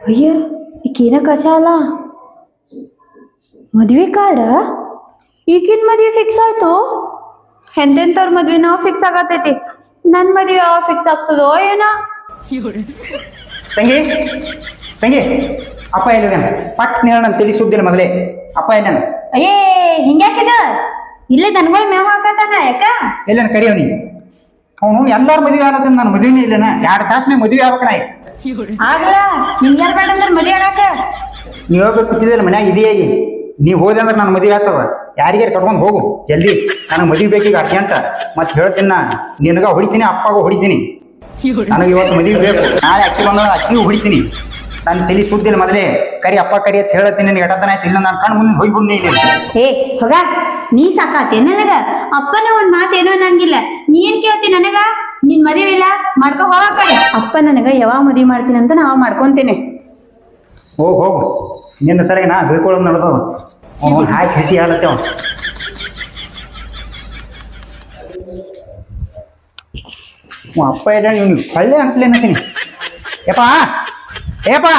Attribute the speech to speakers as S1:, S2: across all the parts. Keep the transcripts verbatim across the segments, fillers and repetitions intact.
S1: ಅಯ್ಯ ಈಕೇನ ಕಸಾಲ ಮದ್ವೆ ಕಾರ್ಡ ಈಗಿನ ಮದ್ವೆ ಫಿಕ್ಸ್ ಆಯ್ತು. ಎಂತೆಂತವ್ರ ಮದ್ವೆ ನಾವು ಫಿಕ್ಸ್ ಆಗತೈತಿ. ನನ್ ಮದ್ವೆ ಯಾವ ಫಿಕ್ಸ್ ಆಗ್ತದೋ ಏನೋ.
S2: ತಂಗಿ ತಂಗಿ ಅಪ್ಪ ಎಲ್ಲಿದ್ದಾನ? ಪಟ್ ನೇಳ ನನ್ನ ತಲೆ ಸುದ್ದಿಲ್ಲ ಮೊದಲೇ. ಅಪ್ಪ ಎಲ್ಲನ?
S1: ಅಯ್ಯೇ ಹಿಂಗ್ಯಾಕಿದ ಇಲ್ಲೇ ದನಗಳ ಮೇವ್ ಹಾಕತಾನ. ಯಾಕ
S2: ಎಲ್ಲನ ಕರಿಯವನಿ? ಅವನು ಎಲ್ಲಾರ ಮದುವೆ ಆಗತ್ತ, ನನ್ನ ಮದುವೆನೇ ಇಲ್ಲನ. ಎರಡು ತಾಸನಾಗ ಮದುವೆ ಆಗ್ಬೇಕಣ.
S1: ಆಗಲ್ಲ ನಿಂಗೆ ಯಾರು ಬೇಡ ಅಂದ್ರೆ ಮದ್ವೆ ಆಗಕ.
S2: ನೀವು ಹೋಗ್ಬೇಕು ಕೂತಿದ್ದಲ್ಲ ಮನ್ಯಾಗ ಇದೆಯಾಗಿ. ನೀವು ಹೋದೆ ಅಂದ್ರೆ ನನ್ನ ಮದುವೆ ಆಗ್ತದ. ಯಾರಿಗಾರು ಕಟ್ಕೊಂಡು ಹೋಗು ಜಲ್ದಿ. ನನಗೆ ಮದುವೆ ಬೇಕೀಗ ಅರ್ಜೆಂಟ್. ಮತ್ತೆ ಹೇಳ್ತೀನಿ ನಾ, ನಿನಗ ಹೊಡಿತೀನಿ, ಅಪ್ಪಗ ಹೊಡಿತೀನಿ. ನನಗೆ ಇವತ್ತು ಮದುವೆ ಬೇಕು. ನಾಳೆ ಅಕ್ಕಿ ಬಂದ ಅಕ್ಕಿಗೂ ಹೊಡಿತೀನಿ. ನನ್ನ ತಲೆ ಸುದ್ದಿಲ್ಲ ಮೊದಲೇ. ಕರಿ ಅಪ್ಪ ಕರಿ ಅಂತ ಹೇಳ್ತೀನಿ. ನಿನಗೆ ಎಡತನ ಆಯ್ತು ಇಲ್ಲ ನಾನು ಕಣ್ಣು ಮುಂದೆ ಹೋಗ್ಬಿಡ್ನಿ ಇಲ್ಲಿ.
S1: ಹೇ ಹೋಗ, ನೀ ಸಾಕಾತೆ ನನಗ. ಅಪ್ಪನ ಒಂದ್ ಮಾತೇನೋ ಅನ್ನಂಗಿಲ್ಲ. ನೀ ಏನ್ ಕೇಳ್ತಿ ನನಗ? ನಿನ್ ಮದುವೆ ಇಲ್ಲ ಮಾಡ್ಕೊ ಹೋಗ ಕಡೆ. ಅಪ್ಪ ನನಗ ಯಾವಾಗ ಮದುವೆ ಮಾಡ್ತೀನಿ ಅಂತ ನಾವ್ ಮಾಡ್ಕೊಂತೇನೆ.
S2: ಹೋಗು ಹೋಗು, ನಿನ್ನ ಸರಿಯಾಗಿ ನಾ ಬೀಳ್ಕೊಳ್ಳೋದು ನಡೆದವ. ಅವನು ಹಾಕಿ ಹಸಿ ಹಾಲತ್ತೇವ. ಅಪ್ಪ ಇಲ್ಲ ನೀವು ಒಳ್ಳೆ ಅನ್ಸಲಿ ಅನ್ನತೀನಿ. ಯಪ್ಪ ಏಪ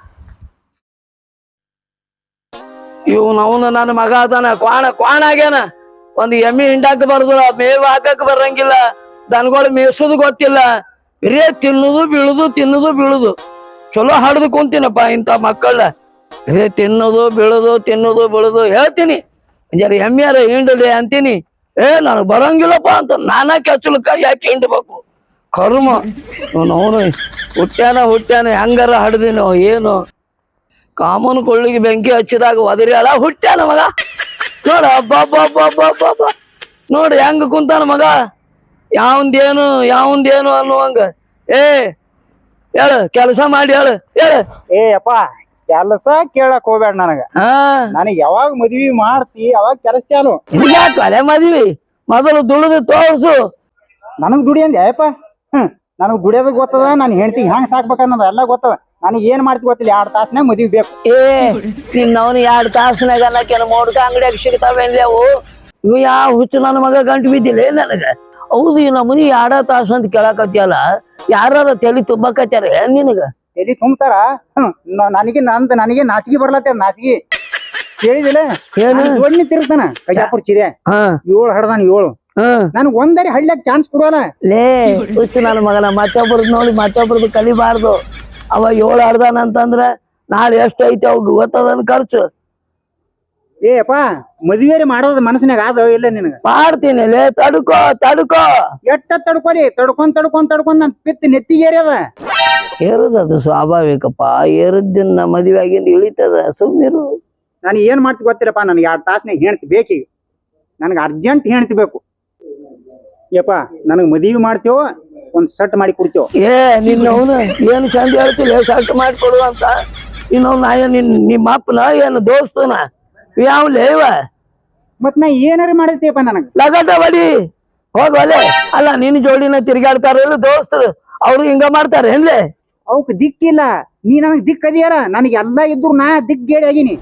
S3: ಇವ್ ಅವನು ನನ್ನ ಮಗ ಅದಾನ. ಕ್ವಾಣ ಕ್ವಾಣ ಆಗ್ಯಾನ. ಒಂದ್ ಎಮ್ಮಿ ಹಿಂಡಾಕ ಬರುದು, ಮೇವು ಹಾಕಕ್ ಬರಂಗಿಲ್ಲ. ದನಗಳು ಮೇಯ್ಸೋದು ಗೊತ್ತಿಲ್ಲ. ಬರೇ ತಿನ್ನುದು ಬೀಳುದು ತಿನ್ನುದು ಬೀಳುದು. ಚಲೋ ಹಾಡ್ದು ಕುಂತೀನಪ್ಪ ಇಂಥ ಮಕ್ಕಳ. ಬರೇ ತಿನ್ನೋದು ಬೀಳುದು ತಿನ್ನೋದು ಬೀಳುದು ಹೇಳ್ತೀನಿ. ಜರ ಎಮ್ಮಿಯಾರ ಹಿಂಡಲಿ ಅಂತೀನಿ. ಏ ನನಗ್ ಬರಂಗಿಲ್ಲಪ್ಪ ಅಂತ ನಾನಾ ಕೆಚ್ಚಲಕ್ಕ ಯಾಕೆ ಹಿಂಡ್ಬೇಕು? ಕರ್ಮ ಅವನು ಹುಟ್ಟ್ಯಾನ ಹುಟ್ಟ್ಯಾನ ಹೆಂಗಾರ ಹಡ್ದಿನೋ ಏನು. ಕಾಮನ್ ಕೊಳ್ಳಿಗೆ ಬೆಂಕಿ ಹಚ್ಚಿದಾಗ ಒದರಿ ಅಲ್ಲ ಹುಟ್ಟ್ಯಾನ ಮಗ. ನೋಡ ಹಬ್ಬ ನೋಡ್ರಿ ಹೆಂಗ ಕುಂತಾನ ಮಗ. ಯಾವಂದೇನು ಯಾವಂದೇನು ಅನ್ನುವಂಗ. ಏ ಹೇಳ ಕೆಲಸ ಮಾಡಿ ಹೇಳು ಹೇಳ.
S2: ಏ ಅಪ್ಪ ಕೆಲಸ ಕೇಳಕ್ ಹೋಗ್ಬೇಡ ನನಗ.
S3: ಹಾ
S2: ನನಗ್ ಯಾವಾಗ ಮದ್ವಿ ಮಾಡ್ತಿ ಅವಾಗ ಕೆಲಸ ಚಾಲು.
S3: ಯಾಕೆ ಅಲೆ ಮದ್ವಿ ಮೊದಲು ದುಡಿದು ತೋರ್ಸು.
S2: ನನಗ್ ದುಡಿ ಅಂದೆ ಅಯ್ಯಪ್ಪ. ಹ್ಮ್ ನನಗ್ ದುಡಿಯೋದು ಗೊತ್ತದ. ನಾನು ಹೆಂಡತಿ ಹೆಂಗ್ ಸಾಕ್ಬೇಕನ್ನೋದು ಎಲ್ಲ ಗೊತ್ತದ. ನನಗೆ ಏನ್ ಮಾಡ್ತಿ ಗೊತ್ತಿಲ್ಲ. ಎರಡ್ ತಾಸನ್ಯಾಗ ಮದ್ವಿ ಬೇಕು.
S3: ಏ ನಿನ್ನ ಅವನು ಎರಡ್ ತಾಸನಾಗ ಅನ್ನಕೇನ ಮೋಡ್ಕ ಅಂಗಡಿಯಾಗ ಸಿಗ್ತಾವೇನ್ಲಿ ಅವು? ಇವು ಯಾವ ಹುಚ್ಚು ನನ್ನ ಮಗ ಗಂಟು ಬಿದ್ದಿಲ್ಲ ನನಗ. ಹೌದು ಈ ನಮ್ಮನಿ ಎರಡ ತಾಸು ಅಂತ ಕೇಳಕತ್ತಿಯಲ್ಲ. ಯಾರ ತಲೆ ತುಂಬಕತ್ಯಾರ ಏನ್ ನಿನಗ?
S2: ಎಲ್ಲಿ ತುಂಬ್ತಾರ? ಹ್ಮ್ ನನಗೆ ನಂದ್ ನನಗೆ ನಾಚಿಗೆ ಬರ್ಲತ್ತ. ನಾಚಿಗೆ ಕೇಳಿದಿಲ್ಲ?
S3: ಏನು
S2: ಜೋಡ್ನಿ ತಿರುಗ್ತಾನ ಕಜಾಪುರ್ ಚಿದೆ.
S3: ಹಾ
S2: ಏಳು ಹಡ್ದಾನ ಏಳು.
S3: ಹ್ಮ್
S2: ನನ್ಗ್ ಒಂದರಿ ಹಳ್ಳ್ಯಾಗ ಚಾನ್ಸ್ ಕೊಡೋಲ್ಲ.
S3: ಲೇ ಹುಚ್ಚು ನನ್ನ ಮಗನ ಮತ್ತೊಬ್ರದ್ ನೋಡಿ ಮತ್ತೊಬ್ರದ್ದು ಕಲಿಬಾರ್ದು. ಅವ ಏಳು ಹಡ್ದಾನ ಅಂತಂದ್ರ ನಾಳೆ ಎಷ್ಟು ಐತಿ ಅವ್ ಗೊತ್ತದನ್ ಖರ್ಚು.
S2: ಏ ಅಪ್ಪ ಮದ್ವೇರಿ ಮಾಡೋದ್ ಮನಸ್ಸಿನಾಗ ಆದ ಇಲ್ಲ ನಿನಗ?
S3: ಮಾಡ್ತೀನಿ ಲೇ ತಡ್ಕೋ ತಡ್ಕೋ.
S2: ಎಷ್ಟ ತಡ್ಕೊರಿ ತಡ್ಕೊಂಡ್ ತಡ್ಕೊಂಡ್ ತಡ್ಕೊಂಡ್ ನನ್ ಪಿತ್ ನೆತ್ತಿಗೆ ಏರ್ಯದ.
S3: ಏರುದದು ಸ್ವಾಭಾವಿಕಪ್ಪ. ಏರದಿನ ಮದುವೆ ಆಗಿಂದ ಇಳಿತದ. ಸುಮ್ಮಿರು.
S2: ನಾನು ಏನ್ ಮಾಡ್ತಿ ಗೊತ್ತಿಲ್ಲಪ್ಪ. ನನ್ಗೆ ಎರಡ್ ತಾಸನಾಗ ಹೆಣ್ತಿ ಬೇಕೀಗ. ನನ್ಗೆ ಅರ್ಜೆಂಟ್ ಹೆಣ್ತಿ ಬೇಕು. ಯಪ್ಪ ನನಗ್ ಮದ್ವಿ ಮಾಡ್ತೇವ, ಒಂದ್ ಸಟ್ ಮಾಡಿ ಕೊಡ್ತೇವ.
S3: ಏ ನಿನ್ನ ಅವನು ಏನು ಚಂದ ಹೇಳ್ತಿಲ್ಲ ಸಟ್ ಮಾಡಿ ಕೊಡು ಅಂತ. ಇನ್ನೊಂದು ನಾ ನಿನ್ ನಿಮ್ಮ ಅಪ್ಪನ ಏನು ದೋಸ್ತನ ಯಾವ್ಲೇ ಇವ?
S2: ಮತ್ ನಾ ಏನಾರ ಮಾಡಿರ್ತೀಯಪ್ಪ ನನಗ?
S3: ಲಗಟ ಬಡಿ ಹೋಗ್ವಲೆ. ಅಲ್ಲ ನಿನ್ನ ಜೋಡಿನ ತಿರ್ಗಾಡ್ತಾರ ದೋಸ್ತರು, ಅವ್ರು ಹಿಂಗ ಮಾಡ್ತಾರ ಏನ್ಲೇ?
S2: ಅವಕ್ ದಿಕ್ಕಿಲ್ಲ. ನೀ ನನಗ್ ದಿಕ್ ಅದಿಯಾರ. ನನಗೆ ಎಲ್ಲಾ ಇದ್ರು ನಾ ದಿಕ್ ಗೇಡಿ ಆಗೀನಿ.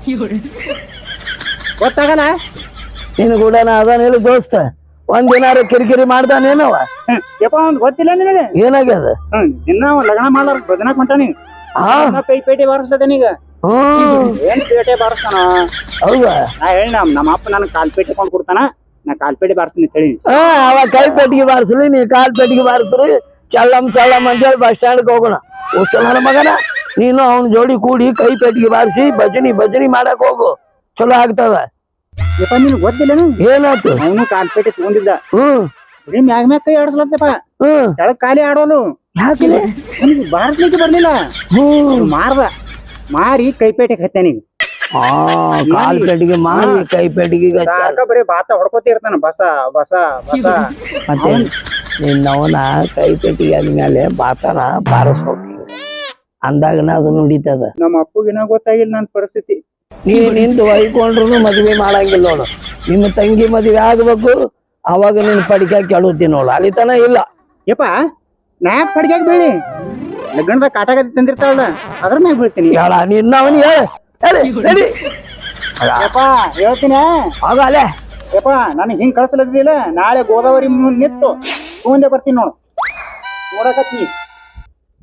S2: ಗೊತ್ತಾಗಲ್ಲ?
S3: ನಿನ್ ಕೂಡ ನಾ ಅದಾನಿಲ್ಲ ದೋಸ್ತ. ಒಂದಿನಾರ ಕಿರಿಕಿರಿ ಮಾಡ್ದಾನೇನವ?
S2: ಯಪ್ಪ ಅವ್ನ್ ಗೊತ್ತಿಲ್ಲ ನಿನಗೆ?
S3: ಏನಾಗ್ಯದ?
S2: ಹ್ಮ್ ದಿನ ಲಗ್ನ ಮಾಡ್ಲಾರ ಭಜನಾಕ್ ಹೊಂಟಾನಿ.
S3: ಹಾ
S2: ಕೈ ಪೇಟೆ ಬಾರಿಸ್ಲದನೀಗ.
S3: ಹ್ಮ್
S2: ಏನ್ ಪೇಟೆ ಬಾರಿಸ್ತಾನ?
S3: ಹೌದಾ?
S2: ನಾ ಹೇಳಿ ನಮ್ ನಮ್ಮ ಅಪ್ಪ ನನ್ ಕಾಲ್ ಪೇಟೆ ಕೊಂಡ್ ಕೊಡ್ತಾನ. ನಾ ಕಾಲ್ ಪೇಟೆ ಬಾರಿಸ್ತೀನಿ ಹೇಳಿ.
S3: ಹಾ ಅವ ಕೈ ಪೆಟ್ಟಿಗೆ ಬಾರಿಸ್ಲಿ, ನೀ ಕಾಲ್ ಪೆಟ್ಟಿಗೆ ಬಾರಿಸ್ರಿ. ಚಲ್ಲಂ ಚಲ್ಲಂ ಅಂತೇಳಿ ಬಸ್ ಸ್ಟ್ಯಾಂಡ್ಗೆ ಹೋಗೋಣ. ನನ್ನ ಮಗನ ನೀನು ಅವನ ಜೋಡಿ ಕೂಡಿ ಕೈ ಪೆಟ್ಟಿಗೆ ಬಾರಿಸಿ ಭಜನಿ ಭಜನಿ ಮಾಡಕ್ ಹೋಗು. ಚಲೋ ಆಗ್ತದ.
S2: ಯಪ್ಪ ನಿನ್ ಗೊತ್ತಿಲ್ಲ?
S3: ಏನಾಯ್ತು?
S2: ಅವನು ಕಾಲ್ ಪೇಟೆ ತಗೊಂಡಿದ್ದ.
S3: ಹ್ಮ್
S2: ಬರೀ ಮ್ಯಾಗ ಮ್ಯಾಗ ಕೈ ಆಡಿಸ್ಲತ್ತಪ್ಪ.
S3: ಹ್ಮ್
S2: ಕೆಳಗ್ ಖಾಲಿ ಆಡೋನು.
S3: ಯಾಕಿಲ್ಲ?
S2: ನನಗೆ ಬಾರಿಸ್ಲಿಕ್ಕೆ ಬರ್ಲಿಲ್ಲ.
S3: ಹ್ಮ್
S2: ಮಾರ್ದ ಮಾರಿ ಕೈ ಪೇಟೆಗೆ ಹತ್ತಾನಿ.
S3: ಆ ಕಾಲ್ ಪೆಟ್ಟಿಗೆ ಮಾರಿ ಕೈ ಪೆಟ್ಟಿಗೆ
S2: ಸಾಕ ಬರೀ ಬಾತ ಹೊಡ್ಕೋತ ಇರ್ತಾನ. ಬಸ ಬಸ ಬಸ.
S3: ಮತ್ತೆ ನಿನ್ನವನ ಕೈ ಪೆಟ್ಟಿಗೆ ಆದ್ಮೇಲೆ ಬಾತನ ಬಾರಿಸ್ಬೇಕು ಅಂದಾಗನ ಅದು ನುಡಿತದ.
S2: ನಮ್ಮ ಅಪ್ಪಗಿನ ಗೊತ್ತಾಗಿಲ್ಲ ನನ್ ಪರಿಸ್ಥಿತಿ.
S3: ನೀ ನಿಂತು ಹೊಯ್ಕೊಂಡ್ರು ಮದ್ವೆ ಮಾಡಂಗಿಲ್ಲ ನೋಡು. ನಿಮ್ಮ ತಂಗಿ ಮದ್ವೆ ಆಗ್ಬೇಕು, ಅವಾಗ ನಿನ್ ಪಡಿಕೆ ಕೆಡುತ್ತೀನಿ ನೋಡು. ಅಲಿತನ ಇಲ್ಲ.
S2: ಯಪ್ಪ ನಾಕ್ ಪಡಿಗ್ಯಾಗ ಬೀಳಿ ಲಗ್ನದಾಗ ಕಾಟಾಗತಿ ತಂದಿರ್ತಾವಲ್ಲ ಅದ್ರ ಮ್ಯಾಗ ಬೀಳ್ತೀನಿ.
S3: ಹೇಳ ನಿನ್ನ ಅವನು ಹೇಳ ಹೇಳಿ.
S2: ಯಪ್ಪ ಹೇಳ್ತೀನಿ.
S3: ಆಗಲೇ
S2: ಯಪ್ಪ ನನಗೆ ಹಿಂಗ್ ಕಳ್ಸಲದಿಲ್ಲ. ನಾಳೆ ಗೋದಾವರಿ ಮುಂದ್ ನಿಂತು ತಗೊಂಡೆ ಬರ್ತೀನಿ ನೋಡು. ನೋಡಕತ್ತಿ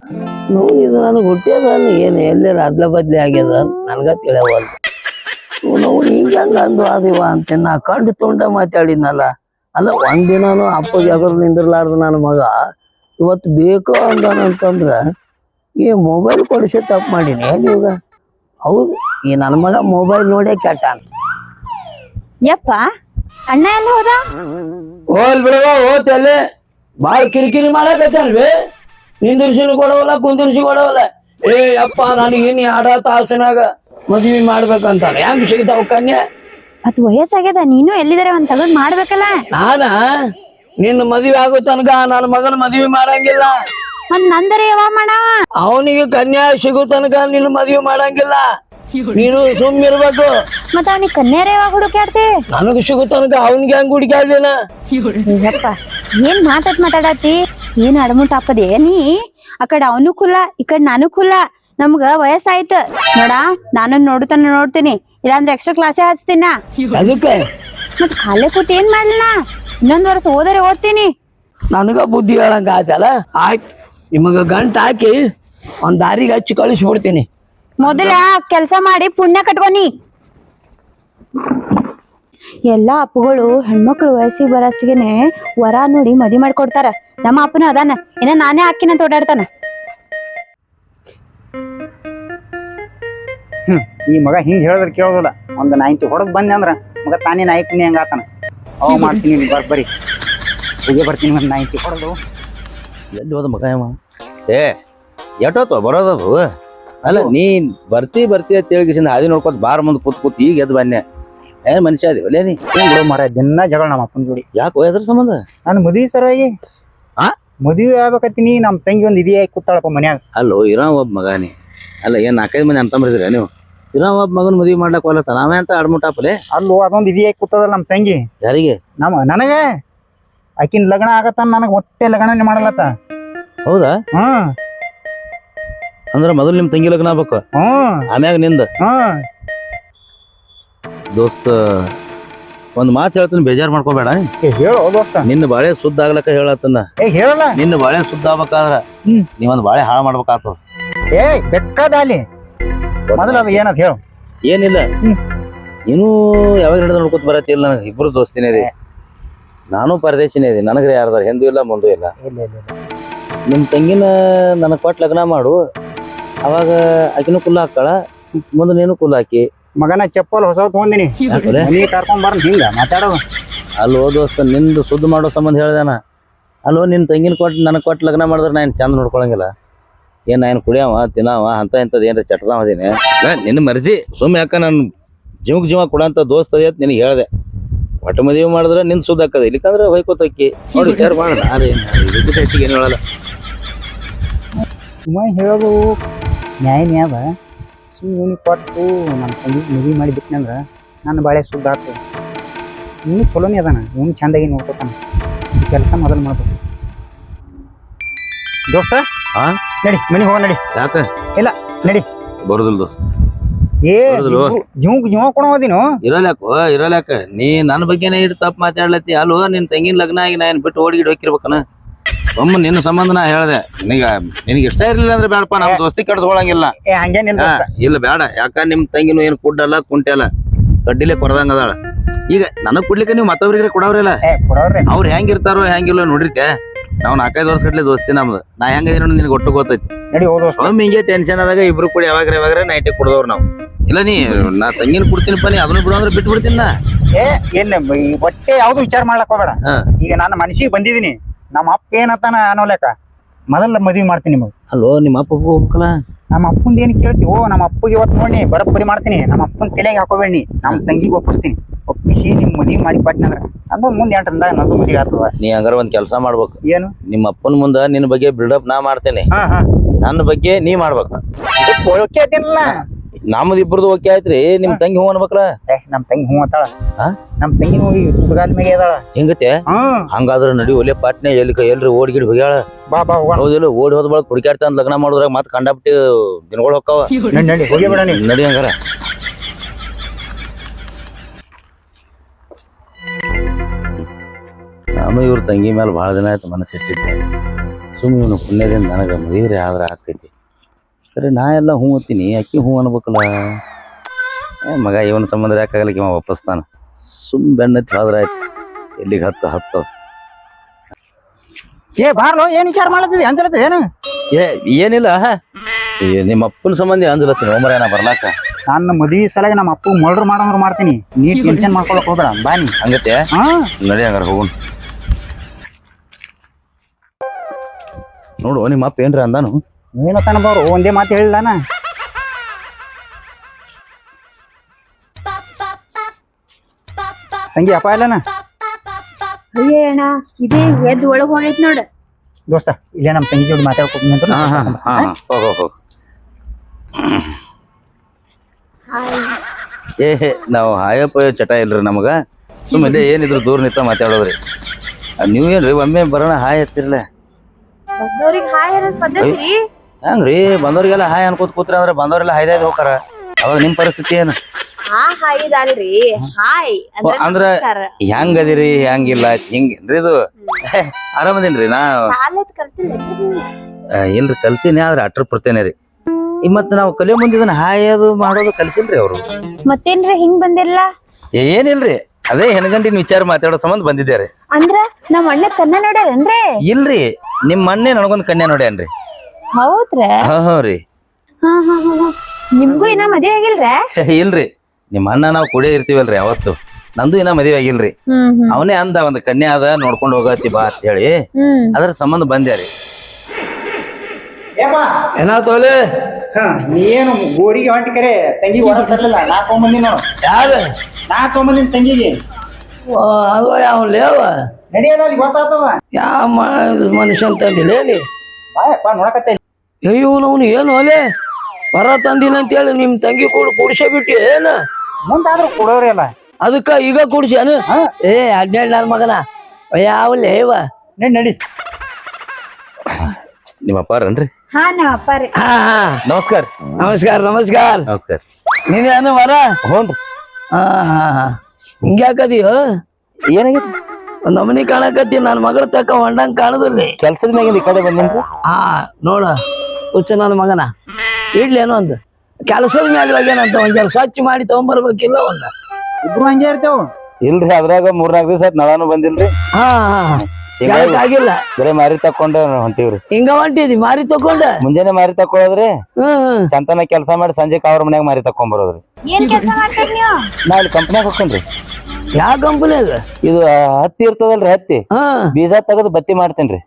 S3: ನೋವು ಇದು ನನಗೆ ಹುಟ್ಟ್ಯದ ಏನು ಎಲ್ಲೆಲ್ಲ ಅದ್ಲ ಬದ್ಲಿ ಆಗ್ಯದ ನನಗ ತಿಳಿಯವಲ್ದು ನಾವು ಹಿಂಗೆ ಹಂಗ ಅಂದು ಆದಿವ ಅಂತ ನಾ ಕಂಡು ತುಂಡ ಮಾತಾಡಿದ್ನಲ್ಲ ಅಲ್ಲ ಒಂದಿನಾನು ಅಪ್ಪಗೆ ಎದುರು ನಿಂದಿರ್ಲಾರ್ದು ನನ್ನ ಮಗ ಇವತ್ತು ಬೇಕು ಅಂದಾನಂತಂದ್ರ ಈ ಮೊಬೈಲ್ ಕೊಡಿಸಿ ತಪ್ಪು ಮಾಡೀನಿ ಏನಿವಾಗ ಹೌದು ಈ ನನ್ನ ಮಗ ಮೊಬೈಲ್ ನೋಡೇ ಕೆಟ್ಟಾನ
S1: ಯಪ್ಪ ಅಣ್ಣ ಎಲ್ಲ ಹೋದ
S3: ಹೋಲ್ ಬಿಡವ ಹೋತಲ್ಲೇ ಬಾಳ ಕಿರಿಕಿರಿ ಮಾಡಕತ್ತಲ್ವೇ ನಿಂದಿರ್ಸಿನ ಕೊಡವಲ್ಲ ಕುಂದಿರ್ಸಿ ಕೊಡವಲ್ಲ ಏ ಅಪ್ಪ ನನಗೆ ನೀ ಆಡ ತಾಸಿನಾಗ ಮದ್ವಿ ಮಾಡ್ಬೇಕಂತಾನೆ ಹೆಂಗ್ ಸಿಗ್ತಾವ ಕನ್ಯಾ
S1: ಮತ್ ವಯಸ್ಸಾಗ್ಯದ ನೀನು ಎಲ್ಲಿದಾರೆ ಒಂದ್ ತಗದ್ ಮಾಡ್ಬೇಕಲ್ಲ
S3: ನಾನ ನಿನ್ನ ಮದ್ವೆ ಆಗೋ ತನಕ ನನ್ನ ಮಗನ ಮದ್ವಿ ಮಾಡಂಗಿಲ್ಲ
S1: ಮತ್ ನಂದರೆ ಯಾವಾಗ ಮಾಡವ
S3: ಅವನಿಗೆ ಕನ್ಯಾ ಸಿಗೋ ತನಕ ನಿನ್ನ ಮದ್ವಿ ಮಾಡಂಗಿಲ್ಲ ನೀನು ಸುಮ್ ಇರ್ಬೇಕು
S1: ಮತ್ತ ಅವನಿಗೆ ಕನ್ಯಾರ ಯಾವಾಗ ಹುಡುಕ್ಯಾಡ್ತಿ
S3: ನನಗ ಸಿಗೋ ತನಕ ಅವನಿಗೆ ಹೆಂಗ್ ಹುಡುಕಾಡ್ಲಿನ
S1: ಯಪ್ಪ ಏನ್ ಮಾತಾಡ್ ಮಾತಾಡತಿ ಏನ್ ಅಡಮುಟ್ ಹಾಪದೆ ನೀ ಆ ಕಡೆ ಅವನು ಕುಲ್ಲ ಈ ಕಡೆ ನಾನು ಕುಲ್ಲ ನಮ್ಗ ವಯಸ್ಸಾಯ್ತ ನೋಡ ನಾನು ನೋಡುತ್ತಾನ ನೋಡ್ತೀನಿ ಇಲ್ಲಾಂದ್ರೆ ಎಕ್ಸ್ಟ್ರಾ ಕ್ಲಾಸೇ ಹಚ್ತೀನ
S3: ಅದಕ್ಕೆ
S1: ಮತ್ ಖಾಲಿ ಕೂತ್ ಏನ್ ಮಾಡ್ಲನ ಇನ್ನೊಂದ್ ವರ್ಷ ಓದರೆ ಓದ್ತೀನಿ
S3: ನನಗ ಬುದ್ಧಿ ಹೇಳಂಗ ಆಯ್ತಲ್ಲ ಆಯ್ತು ನಿಮಗ ಗಂಟ್ ಹಾಕಿ ಒಂದ್ ದಾರಿಗೆ ಹಚ್ಚಿ ಕಳಿಸ್ಬಿಡ್ತೀನಿ
S1: ಮೊದಲ ಕೆಲ್ಸ ಮಾಡಿ ಪುಣ್ಯ ಕಟ್ಕೊನಿ ಎಲ್ಲಾ ಅಪ್ಪಗಳು ಹೆಣ್ಮಕ್ಳು ವಯಸ್ಸಿಗೆ ಬರೋಷ್ಟಿಗೆನೆ ವರ ನೋಡಿ ಮದಿ ಮಾಡ್ಕೊಡ್ತಾರ ನಮ್ಮ ಅಪ್ಪನ ಅದಾನ ಇನ್ನ ನಾನೇ ಹಾಕಿನ ಓಡಾಡ್ತಾನ
S2: ಹ್ಮ್ ಈ ಮಗ ಹಿಂಗ್ ಹೇಳಿದ್ರೆ ಕೇಳೋದಿಲ್ಲ ಒಂದ್ ನೈಂಟಿ ಹೊಡೆದ್ ಬಂದೆ ಅಂದ್ರ ಮಗ ತಾನೇ ನಾಯಕನಿ ಹಂಗ ಆತಾನ ಅವ ಮಾಡ್ತೀನಿ ಬರ್ ಬರಿ ಹೋಗಿ ಬರ್ತೀನಿ ಒಂದ್ ನೈಂಟಿ ಹೊಡೆದು
S4: ಎಲ್ಲಿ ಹೋದ ಮಗ ಅವ ಏ ಎಷ್ಟೊತ್ತು ಬರೋದದು ಅಲ್ಲ ನೀ ಬರ್ತಿ ಬರ್ತಿ ಅಂತ ಹೇಳಿಗಿಸಿಂದ ಹಾದಿ ನೋಡ್ಕೊತ ಬಾರ ಮುಂದೆ ಕೂತ್ ಕೂತ್ ಈಗ ಎದ್ದು ಬನ್ನೆ ಏನ್ ಮನುಷ್ಯ ಅದಿ ಒಲೆ ನೀ
S2: ಏನ್ ಬಿಡೋ ಮರ ದಿನ ಜಗಳ ನಮ್ಮ ಅಪ್ಪನ ಜೋಡಿ
S4: ಯಾಕೆ ಎದ್ರ ಸಂಬಂಧ
S2: ನಾನು ಮದ್ವಿ ಸರವಾಗಿ
S4: ಆ
S2: ಮದ್ವಿ ಆಗ್ಬೇಕತ್ತೀನಿ ನಮ್ಮ ತಂಗಿ ಒಂದ್ ಇದಿಯಾಗಿ ಕೂತಾಳಪ್ಪ ಮನ್ಯಾಗ
S4: ಅಲ್ಲೋ ಇರೋ ಒಬ್ಬ ಮಗ ನೀ ಅಲ್ಲ ಏನ್ ನಾಲ್ಕೈದು ಮಂದಿ ಅಂತಂಬ್ರಿದ್ರಿ ನೀವು ಇರೋ ಒಬ್ಬ ಮಗನ ಮದ್ವಿ ಮಾಡ್ಲಕ್ ಹೋಲತ್ತ ನಾವೇ ಅಂತ ಅಡ್ಮುಟ್ಟಾಪಲೆ
S2: ಅಲ್ಲೋ ಅದೊಂದ್ ಇದಿಯಾಗಿ ಕೂತದಲ್ಲ ನಮ್ಮ ತಂಗಿ
S4: ಯಾರಿಗೆ
S2: ನಮ್ಮ ನನಗ ಆಕಿನ ಲಗ್ನ ಆಗತ್ತ ನನಗ ಹೊಟ್ಟೆ ಲಗ್ನ ಮಾಡಲತ್ತ
S4: ಹೌದಾ
S2: ಹ್ಮ್
S4: ಅಂದ್ರ ಮೊದಲು ನಿಮ್ ತಂಗಿ ಲಗ್ನ ಆಗ್ಬೇಕು
S2: ಹ್ಮ್
S4: ಆಮ್ಯಾಗ ನಿಂದ
S2: ಹ್ಮ್
S4: ದೋಸ್ತ ಒಂದ್ ಮಾತು ಹೇಳ್ತೀನಿ ಬೇಜಾರ್ ಮಾಡ್ಕೋಬೇಡ
S2: ಏ ಹೇಳು ದೋಸ್ತ
S4: ನಿನ್ನ ಬಾಳೆ ಸುದ್ದ ಆಗ್ಲಕ್ಕ ಹೇಳತ್ತನ್ನ
S2: ಏ ಹೇಳಲ್ಲ
S4: ನಿನ್ನ ಬಾಳೆ ಸುದ್ದ ಆಗ್ಬೇಕಾದ್ರ
S2: ಹ್ಮ್.
S4: ನೀವೊಂದ್ ಬಾಳೆ ಹಾಳು ಮಾಡ್ಬೇಕಾಗ್ತದ
S2: ಏ ಬೆಕ್ಕದಾಲಿ ಮೊದಲ ಅದು ಏನದ ಹೇಳು
S4: ಏನಿಲ್ಲ
S2: ಹ್ಮ್.
S4: ನೀನು ಯಾವಾಗ ಹಿಡಿದು ನೋಡ್ಕೊತ ಬರತ್ತಿಲ್ಲ ನನಗೆ ಇಬ್ರು ದೋಸ್ತಿನೇ ಇದೆ ನಾನು ಪರದೇಶಿನೇ ಇದೆ ನನಗ್ರೆ ಯಾರ್ದಾರ ಹಿಂದೂ ಇಲ್ಲ ಮುಂದೂ ಇಲ್ಲ
S2: ಇಲ್ಲ ಇಲ್ಲ
S4: ನಿಮ್ ತಂಗಿನ ನನಗ್ ಕೊಟ್ಟು ಲಗ್ನ ಮಾಡು ಅವಾಗ ಆಕಿನೂ ಕುಲ್ಲ ಹಾಕ್ತಾಳ ಮುಂದೆ ನೀನು ಕುಲ್ಲ ಹಾಕಿ
S2: ಮಗನ ಚಪ್ಪಲ್ ಹೊಸ ತಗೊಂದಿನಿ
S4: ಯಾಕಂದ್ರೆ
S2: ಮನಿ ಕರ್ಕೊಂಡ್ ಬರ ಹಿಂಗ ಮಾತಾಡೋದು
S4: ಅಲ್ಲೋ ದೋಸ್ತ ನಿಂದು ಸುದ್ದ ಮಾಡೋ ಸಂಬಂಧ ಹೇಳ್ದಾನ ಅಲ್ಲೋ ನಿನ್ ತಂಗಿನ ಕೊಟ್ಟು ನನಗೆ ಕೊಟ್ಟು ಲಗ್ನ ಮಾಡಿದ್ರೆ ನಾನು ಚಂದ ನೋಡ್ಕೊಳಂಗಿಲ್ಲ ಏನ್ ನಾನು ಕುಡಿಯವ ತಿನ್ನವ ಅಂತ ಇಂಥದ್ದು ಏನಾರ ಚಟದಾವ ಅದೇನೆ ನಿನ್ನ ಮರ್ಜಿ ಸುಮ್ಮನೆ ಯಾಕ ನಾನು ಜೀವಕ್ ಜೀವ ಕೊಡಂತ ದೋಸ್ತ ಅದೇ ಅಂತ ನಿನಗೆ ಹೇಳ್ದೆ ಒಟ್ಟು ಮದುವೆ ಮಾಡಿದ್ರೆ ನಿನ್ ಸುದ್ದ ಹಾಕದ ಇಲ್ಲಿಕಂದ್ರೆ ಹೊಯ್ಕೋತಕ್ಕಿ ನೋಡಿ ವಿಚಾರ ಮಾಡೋಣ ಇದಕ್ಕಿಂತ ಹೆಚ್ಚಿಗೆ ಏನು ಹೇಳಲ್ಲ
S2: ಸುಮ್ಮ ಹೇಳೋದು ನ್ಯಾಯ ನ್ಯಾಯ ಸುಮ್ಮನೆ ಇವನಿಗೆ ಕೊಟ್ಟು ನಮ್ಮ ತಂಗಿ ಮದುವೆ ಮಾಡಿ ಬಿಟ್ಟನಂದ್ರ ನನ್ನ ಬಾಳೆ ಸುದ್ದ ಆಗ್ತದೆ ಇವನು ಚಲೋನೇ ಅದಾನ ಇವನು ಚಂದಾಗಿ ನೋಡ್ಕೊತಾನ ಕೆಲಸ ಮೊದಲು ಮಾಡ್ಬೇಕು ದೋಸ್ತ
S4: ಹಾ
S2: ನಡಿ ಮನೆಗೆ ಹೋಗ ನಡಿ
S4: ಯಾಕ
S2: ಇಲ್ಲ ನಡಿ
S4: ಬರುದಿಲ್ಲ ದೋಸ್ತ
S2: ಏ
S4: ಹೌದಲ್ವ?
S2: ಜೀವ ಜೀವ ಕೊಡೋದಿನು
S4: ಇರಲ್ಯಾಕೋ ಇರಲ್ಯಾಕ ನೀ ನನ್ನ ಬಗ್ಗೆನೇ ಇಟ್ಟು ತಪ್ಪು ಮಾತಾಡ್ಲತ್ತಿ ಅಲ್ವೋ ನಿನ್ ತಂಗಿನ ಲಗ್ನ ಆಗಿ ನಾನು ಬಿಟ್ಟು ಓಡಿಗಿಡ್ ಹೋಗಿರ್ಬೇಕನ ಒಮ್ಮ ನಿನ್ನ ಸಂಬಂಧ ನಾ ಹೇಳ್ದೆ ನಿನಗ ನಿನಗೆ ಇಷ್ಟ ಇರ್ಲಿಲ್ಲ ಅಂದ್ರೆ ಬೇಡಪ್ಪ ನಮ್ಮ ದೋಸ್ತಿ ಕೆಡ್ಸ್ಕೊಳಂಗಿಲ್ಲ
S2: ಏ ಹಂಗೇನಿಲ್ಲ
S4: ಹಾ,
S2: ದೋಸ್ತ.
S4: ಇಲ್ಲ ಬೇಡ ಯಾಕ ನಿಮ್ ತಂಗಿನೂ ಏನು ಕುಡ್ಡಲ್ಲ ಕುಂಟೆಲ್ಲ ಕಡ್ಡಿಲೆ ಕೊರದಂಗ ಅದಾಳ ಈಗ ನನಗ್ ಕುಡ್ಲಿಕ್ಕೆ ನೀವು ಮತ್ತೊಬ್ರಿಗೆ ಕೊಡವ್ರಿಲ್ಲ
S2: ಏ ಕೊಡೋರ್ರಿ
S4: ಅವ್ರು ಹೆಂಗಿರ್ತಾರೋ ಹೆಂಗಿಲ್ಲ ನೋಡಿರ್ಕೆ ನಾವು ನಾಲ್ಕೈದು ವರ್ಷ ಗಟ್ಲೆ ದೋಸ್ತಿ ನಮ್ದು ನಾ ಹೆಂಗದೀನಿ ನಿನಗೆ ಒಟ್ಟು ಗೊತ್ತೈತಿ
S2: ನಡಿ ಹೋದ ದೋಸ್ತ
S4: ಒಮ್ಮೆ ಹಿಂಗೆ ಟೆನ್ಷನ್ ಆದಾಗ ಇಬ್ರು ಕೂಡ ಯಾವಾಗ ಯಾವಾಗ ನೈಟಿ ಕುಡ್ದವ್ರು ನಾವು ಇಲ್ಲ ನೀ ನಾ ತಂಗಿನ ಕುಡ್ತೀನಿಪ್ಪ ನೀ ಅದನ್ನ ಬಿಡು ಅಂದ್ರೆ ಬಿಟ್ಟು ಬಿಡ್ತೀನಿ ನಾ
S2: ಏ ಏನ್ ಈ ಹೊಟ್ಟೆ ಯಾವ್ದು ವಿಚಾರ ಮಾಡ್ಲಕ್ ಹೋಗ್ಬೇಡ
S4: ಹಾ.
S2: ಈಗ ನನ್ನ ಮನಸ್ಸಿಗೆ ಬಂದಿದೀನಿ ನಮ್ಮ ಅಪ್ಪ ಏನತ್ತಾನ ಅನ್ನೋಲೆಕ್ಕ ಮೊದಲ ಮದ್ವಿ ಮಾಡ್ತೀನಿ ನಿಮಗೆ
S4: ಅಲ್ಲೋ ನಿಮ್ಮ ಅಪ್ಪ ಹೋಗ್ಬೇಕಲ್ಲ
S2: ನಮ್ಮ ಅಪ್ಪಂದ ಏನ್ ಕೇಳ್ತಿ ಓ ನಮ್ಮ ಅಪ್ಪಗೆ ಇವತ್ತು ನೋಡಿ ಬರಬ್ಬರಿ ಮಾಡ್ತೀನಿ ನಮ್ಮ ಅಪ್ಪನ ತಲೆಗೆ ಹಾಕೋಬೇಡಿ ನಮ್ಮ ತಂಗಿಗೆ ಒಪ್ಪಿಸ್ತೀನಿ ಒಪ್ಪಿಸಿ ನಿಮ್ ಮದ್ವಿ ಮಾಡಿ ಕೊಟ್ಟಿನಂದ್ರ ಅದು ಮುಂದೆ ಎಂಟರಿಂದ ನಂದು ಮದ್ವಿ ಆಗ್ತದ
S4: ನೀ ಹಂಗಾರ ಒಂದ್ ಕೆಲಸ ಮಾಡ್ಬೇಕು
S2: ಏನು
S4: ನಿಮ್ಮ ಅಪ್ಪನ ಮುಂದ ನಿನ್ನ ಬಗ್ಗೆ ಬಿಲ್ಡಪ್ ನಾ ಮಾಡ್ತೇನೆ
S2: ಹಾ ಹಾ
S4: ನನ್ನ ಬಗ್ಗೆ ನೀ ಮಾಡ್ಬೇಕು
S2: ಓಕೆ ಐತಿಲ್ಲ
S4: ನಮ್ದು ಇಬ್ರದ್ದು ಓಕೆ ಆಯ್ತ್ರಿ ನಿಮ್ ತಂಗಿ ಹೂ ಅನ್ಬೇಕಲ್ಲ
S2: ಏ ನಮ್ ತಂಗಿ ಹೂ ಅಂತಾಳ
S4: ಹಾ?
S2: ನಮ್ ತಂಗಿ ಹೋಗಿ ತುದಗಾಲ ಮೇಲೆ ಅದಾಳ
S4: ಹೆಂಗತೆ
S2: ಹ್ಮ್
S4: ಹಂಗಾದ್ರ ನಡಿ ಒಲೆ ಪಾಟ್ನೆ ಎಲ್ಲಿ ಎಲ್ರಿ ಓಡ್ಗಿಡ್ ಹೋಗ್ಯಾಳ
S2: ಬಾ ಬಾ ಹೋಗೋಣ
S4: ಹೌದಿಲ್ಲ ಓಡಿ ಹೋದ ಬಳಕ ಹುಡುಕ್ಯಾಡ್ತ ಲಗ್ನ ಮಾಡೋದ್ರಾಗ ಮತ್ ಕಂಡಾಪಟ್ಟಿ ದಿನಗಳು ಹೋಗ್ತಾವ
S2: ನಡಿ ನಡಿ ಹೋಗಿ ಬಿಡ ನೀ
S4: ನಡಿ ಹಂಗಾರ ನಾನು ಇವ್ರ ತಂಗಿ ಮೇಲೆ ಭಾಳ ದಿನ ಆಯ್ತು ಮನಸ್ಸಿಟ್ಟಿದ್ದೆ ಸುಮ್ಮನೆ ಇವನು ಪುಣ್ಯದಿಂದ ನನಗೆ ಮದುವೆ ಆದ್ರೆ ಆಕೈತಿ. ಸರಿ ನಾ ಎಲ್ಲ ಹ್ಞೂ ಅಂತೀನಿ, ಅಕ್ಕಿ ಹ್ಞೂ ಅನ್ಬೇಕಲ್ಲ. ಏ ಮಗ ಇವನ ಸಂಬಂಧ ಯಾಕಾಗಲಿಕ್ಕೆ ಇವ ವಾಪಸ್ತಾನ. ಸುಮ್ ಬೆಣ್ಣೆತ್ತಿ ಹೋದ್ರೆ ಆಯ್ತು, ಎಲ್ಲಿಗೆ ಹತ್ತು ಹತ್ತು.
S2: ಏ ಬಾರ್ಲೋ, ಏನ್ ವಿಚಾರ ಮಾಡತ್ತಿದ್ದೆ ಅಂಜಲತ್ತ ಏನು?
S4: ಏ ಏನಿಲ್ಲ, ಏ, ನಿಮ್ಮ ಅಪ್ಪನ ಸಂಬಂಧಿ ಅಂಜಲತ್ತೀನಿ ಒಮ್ಮರ ಏನ ಬರ್ಲಾಕ.
S2: ನನ್ನ ಮದ್ವಿ ಸಲಾಗಿ ನಮ್ಮ ಅಪ್ಪ ಮರ್ಡರ್ ಮಾಡಂದ್ರ ಮಾಡ್ತೀನಿ, ನೀ ಟೆನ್ಷನ್ ಮಾಡ್ಕೊಳಕ್ ಹೋಗ್ಬೇಡ. ಬಾನಿ
S4: ಹಂಗತ್ತೆ
S2: ಹಾ
S4: ನಡಿ ಹಂಗಾರ ಹೋಗುನ್. ನೋಡು ನಿಮ್ಮ ಅಪ್ಪ ಏನ್ರ ಅಂದಾನು?
S2: ಏನತ್ತಾನ ಬಾರು, ಒಂದೇ ಮಾತು ಹೇಳಿಲ್ಲ. ತಂಗಿ ಅಪ್ಪ ಇಲ್ಲನ?
S1: ಅಯ್ಯೇ ಅಣ್ಣ ಇದೇ ಎದ್ದು ಒಳಗ್ ಹೋಗೈತ್ ನೋಡ.
S2: ದೋಸ್ತ ಇಲ್ಲೇ ನಮ್ಮ ತಂಗಿ ಜೋಡಿ ಮಾತಾಡ್ಕೊತೀನಿ ಅಂತ.
S4: ಹಾ ಹಾ ಹಾ ಹೋಗ ಹೋಗ. ಏ ನಾವು ಹಾಯಪ್ಪ ಚಟ ಇಲ್ರಿ ನಮಗ. ಸುಮ್ಮನೆ ಏನಿದ್ರು ದೂರ ನಿಂತ ಮಾತಾಡೋದ್ರಿ. ನೀವು ಏನ್ರಿ ಒಮ್ಮೆ ಬರೋಣ ಹಾಯ್ ಹತ್ತಿರಲ್ಲ?
S1: ಬಂದವ್ರಿಗೆ ಹಾಯ್ ಅನ್ನೋದ್ ಪದ್ಧತಿ.
S4: ಹೆಂಗ್ರಿ ಬಂದವ್ರಿಗೆಲ್ಲ ಹಾಯ್ ಅನ್ಕೋತ ಕೂತ್ರಿ ಅಂದ್ರೆ ಬಂದವ್ರೆಲ್ಲ ಹಾಯ್ದಾಯ್ದು ಹೋಗಾರ. ಅವಾಗ ನಿಮ್ ಪರಿಸ್ಥಿತಿ ಏನು?
S1: ಹಾ ಹಾಯ್ ಇದಲ್ರಿ ಹಾಯ್
S4: ಅಂದ್ರ ಹೆಂಗ್ ಅದಿರಿ ಹೆಂಗಿಲ್ಲ ಹಿಂಗೇನ್ರಿ ಇದು? ಆರಾಮದೇನ್ರಿ? ನಾ
S1: ಸಾಲದ್ ಕಲ್ತಿಲ್ಲ
S4: ಇಲ್ರಿ ಕಲ್ತೀನಿ, ಆದ್ರೆ ಅಟ್ರ ಪಡ್ತೇನೆ ರೀ. ಈ ಮತ್ ನಾವು ಕಲಿಯೋ ಮುಂದಿದನ್ನ ಹಾಯೋದು ಮಾಡೋದು ಕಲ್ಸಿಲ್ರಿ ಅವ್ರು.
S1: ಮತ್ತೇನ್ರಿ ಹಿಂಗ್ ಬಂದಿಲ್ಲ?
S4: ಏನಿಲ್ರಿ, ಅದೇ ಹೆಣ್ಗಂಟಿನ ವಿಚಾರ ಮಾತಾಡೋ ಸಂಬಂಧ ಬಂದಿದ್ದೇರಿ.
S1: ಅಂದ್ರ ನಮ್ ಅಣ್ಣ ಕನ್ನ ನೋಡ್ಯಾರೇನ್ರಿ?
S4: ಇಲ್ರಿ, ನಿಮ್ ಅಣ್ಣೆ ನನಗೊಂದ್ ಕನ್ಯಾ ನೋಡ್ಯಾನ್ರಿ.
S1: ಹೌದ್ರ?
S4: ಹಾ ಹಾ ರೀ.
S1: ಹಾ ಹಾ ಹಾ ನಿಮ್ಗೂ ಇನ್ನ ಮದ್ವೆ ಆಗಿಲ್ರ?
S4: ಇಲ್ರಿ, ನಿಮ್ ಅಣ್ಣ ನಾವ್ ಕೂಡೇ ಇರ್ತೀವಲ್ರಿ ಅವತ್ತು. ನಂದು ಇನ್ನ ಮದ್ವೆ ಆಗಿಲ್ರಿ.
S1: ಹ್ಮ್ ಹ್ಮ್
S4: ಅವನೇ ಅಂದ ಒಂದ್ ಕನ್ಯಾ ಅದ ನೋಡ್ಕೊಂಡ್ ಹೋಗತ್ತಿ ಬಾ ಅಂತ ಹೇಳಿ
S1: ಹ್ಮ್
S4: ಅದ್ರ ಸಂಬಂಧ ಬಂದ್ಯಾರಿ.
S3: ಏನಾತೋಲೆ?
S2: ನೀ ಏನು ಗೋರಿಗೆ ಹೊಂಟಿ ಕರೆ ತಂಗಿ ಹೊರ ತರ್ಲಿಲ್ಲ. ನಾ ತೊಗೊಂಬಂದಿ ನೋಡು.
S3: ಯಾರ?
S2: ನಾ ತೊಗೊಂಬಂದಿನ ತಂಗಿಗೆ.
S3: ಅದು ಯಾವ ಲೇವ
S2: ನಡಿಯೋದ ಅಲ್ಲಿ ಗೊತ್ತಾಗ್ತದ.
S3: ಯಾವ ಮನುಷ್ಯ ಅಂತಂದಿಲ್ಲ ನೀ?
S2: ಬಾಯಪ್ಪ ನೋಡಕತ್ತ.
S3: ಅಯ್ಯೋ ಅವನು ಏನು ಅಲೆ ಬರ ತಂದಿನ ಅಂತೇಳಿ ನಿಮ್ ತಂಗಿ ಕೂಡ ಕುಡಿಸೇ ಬಿಟ್ಟಿ ಏನ?
S2: ಮುಂದಾದ್ರೂ ಕೊಡೋರಿ ಅಲ್ಲ.
S3: ಅದಕ್ಕ ಈಗ ಕುಡಿಸ್ಯಾನ? ಏ ಹದಿನೇಳು ನನ್ನ ಮಗನ ಯಾವ ಲೇವ?
S2: ನಡಿ ನಡಿ.
S4: ನಿಮ್ಮ ಅಪ್ಪಾರನ್ರಿ?
S1: ಹಾ ನಾವ್ ಅಪ್ಪಾರಿ.
S3: ಹಾ ಹಾ
S4: ನಮಸ್ಕಾರ.
S3: ನಮಸ್ಕಾರ ನಮಸ್ಕಾರ.
S4: ನಮಸ್ಕಾರ.
S3: ನೀನೇನು ವರ?
S4: ಹ್ಞೂನ್ರಿ.
S3: ಹಾ ಹಾ ಹಾ ಹಿಂಗ್ಯಾಕದಿಯೋ?
S4: ಏನಾಗೈತಿ?
S3: ಒಂದ್ ನಮನಿ ಕಾಣಕತ್ತಿ, ನನ್ನ ಮಗಳ ತಕ್ಕ ಹೊಂಡಂಗ್ ಕಾಣದಲ್ಲಿ.
S4: ಕೆಲ್ಸದ ಮ್ಯಾಗಿಂದ ಈ ಕಡೆ ಬಂದೇನ್ರಿ.
S3: ಹಾ ನೋಡ ಹುಚ್ಚ ನನ್ನ ಮಗನ ಇಡ್ಲೇನು ಒಂದು ಕೆಲಸದ ಮ್ಯಾಲ ಹೋಗ್ಯಾನಂತ ಒಂದ್ ಜರ ಸ್ವಚ್ಛ ಮಾಡಿ ತಗೊಂಬರ್ಬೇಕಿಲ್ಲ ಒಂದ.
S2: ಇಬ್ರು ಹಂಗೆ ಇರ್ತೇವ್.
S4: ಇಲ್ರಿ, ಅದ್ರಾಗ ಮೂರ್ನಾಲ್ಕು ದಿವಸ ಆಯ್ತು ನಳಾನು ಬಂದಿಲ್ರಿ.
S3: ಹಾ ಹಾ ಆಗಿಲ್ಲ
S4: ಬರೇ ಮಾರಿ ತಕೊಂಡ ಹೊಂಟಿವ್ರಿ.
S3: ಹಿಂಗ ಹೊಂಟಿದಿ ಮಾರಿ ತಕೊಂಡ?
S4: ಮುಂಜಾನೆ ಮಾರಿ ತಕೊಳ್ಳೋದ್ರಿ,
S3: ಹ್ಮ್
S4: ಚಂತನ ಕೆಲಸ ಮಾಡಿ ಸಂಜೆ ಅವ್ರ ಮನ್ಯಾಗ ಮಾರಿ ತಕೊಂಡ್ ಬರೋದ್ರಿ.
S1: ಏನ್ ಕೆಲ್ಸ ಮಾಡ್ತೀರಿ ನೀವು?
S4: ನಾ ಇಲ್ಲಿ ಕಂಪ್ನ್ಯಾಗ ಹೋಗ್ತೇನ್ರಿ.
S3: ಯಾವ ಕಂಪನಿಯಾಗ?
S4: ಇದು ಹತ್ತಿ ಇರ್ತದಲ್ರಿ, ಹತ್ತಿ
S3: ಹಾ
S4: ಬೀಜ ತೆಗೆದು ಬತ್ತಿ ಮಾಡ್ತೇನ್ರಿ.